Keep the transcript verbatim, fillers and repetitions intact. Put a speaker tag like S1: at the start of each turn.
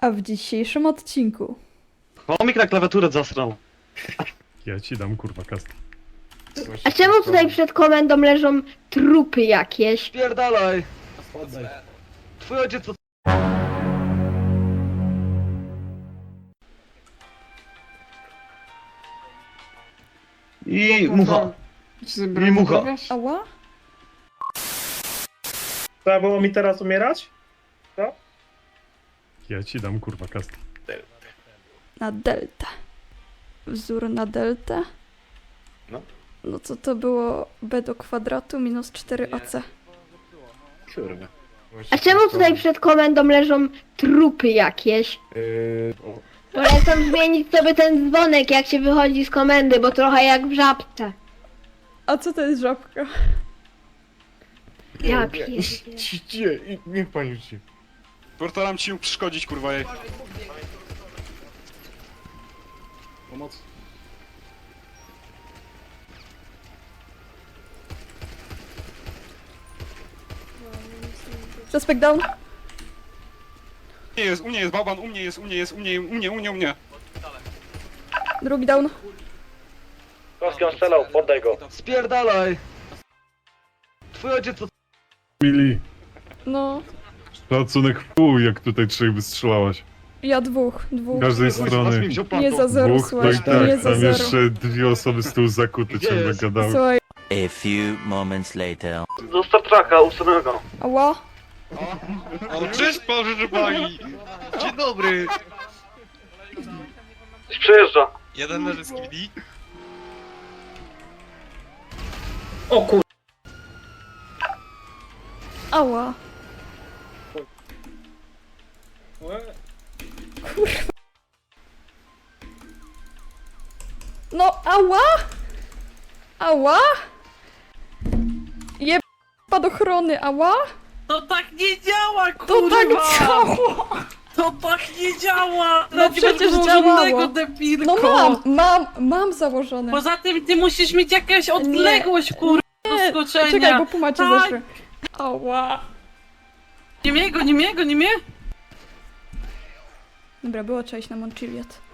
S1: A w dzisiejszym odcinku
S2: Chomik na klawiaturę zasrał.
S3: Ja ci dam kurwa kast.
S4: A czemu tutaj przed komendą leżą trupy jakieś?
S2: Spierdalaj! Twój ojciec to... I mucha. I mucha.
S1: ała?
S5: Trzeba było mi teraz umierać?
S3: Ja ci dam kurwa kast.
S1: Na deltę. Wzór na deltę?
S2: No.
S1: No co to było b do kwadratu minus cztery a c.
S2: Kurwa.
S4: A czemu tutaj przed komendą leżą trupy jakieś?
S2: Yy...
S4: Polecam zmienić sobie ten dzwonek jak się wychodzi z komendy, bo trochę jak w żabce.
S1: A co to jest żabka?
S4: Ja pierdolę.
S6: Nie, niech pani uczy. Portaram ci przeszkodzić, kurwa jej. Pomoc.
S1: Suspect down.
S6: U mnie jest, u mnie jest bałban, u mnie jest, u mnie jest, u mnie, u mnie, u mnie, u mnie.
S1: Drugi down.
S5: Kowski on strzelał, poddaj go.
S2: Spierdalaj! Twój ojciec to...
S3: Mili,
S1: No,
S3: szacunek w pół, jak tutaj trzech wystrzelałaś.
S1: ja dwóch, dwóch.
S3: Z każdej
S2: Was mi
S3: strony.
S2: wziął
S1: Nie
S2: pan
S1: za zero,
S3: Dwóch, to
S1: słuchaj,
S3: i tak,
S1: nie za
S3: tam
S1: zero.
S3: jeszcze dwie osoby z tyłu zakute
S2: Gdzie
S3: ciągle
S2: jest?
S3: gadały.
S1: Słuchaj,
S7: A few moments later.
S2: Do Star Treka ustawionego.
S1: ała?
S6: No cześć, proszę pani! Dzień dobry!
S2: Coś przejeżdża.
S6: Jeden leży z K D.
S5: O kur...
S1: Ała. No, ała? Ała? Je... Spadochrony, ała?
S8: To tak nie działa, kurwa!
S1: To tak działo!
S8: To tak nie działa!
S1: No przecież działało.
S8: Depilko.
S1: No mam, mam, mam założone.
S8: Poza tym ty musisz mieć jakąś odległość, kurwa, do
S1: Nie,
S8: skoczenia.
S1: czekaj, bo pumacie
S8: Tak.
S1: zeszły. Ała.
S8: Nie mnie go, nie mnie go, nie mnie?
S1: Dobra, było cześć na Montchiliad.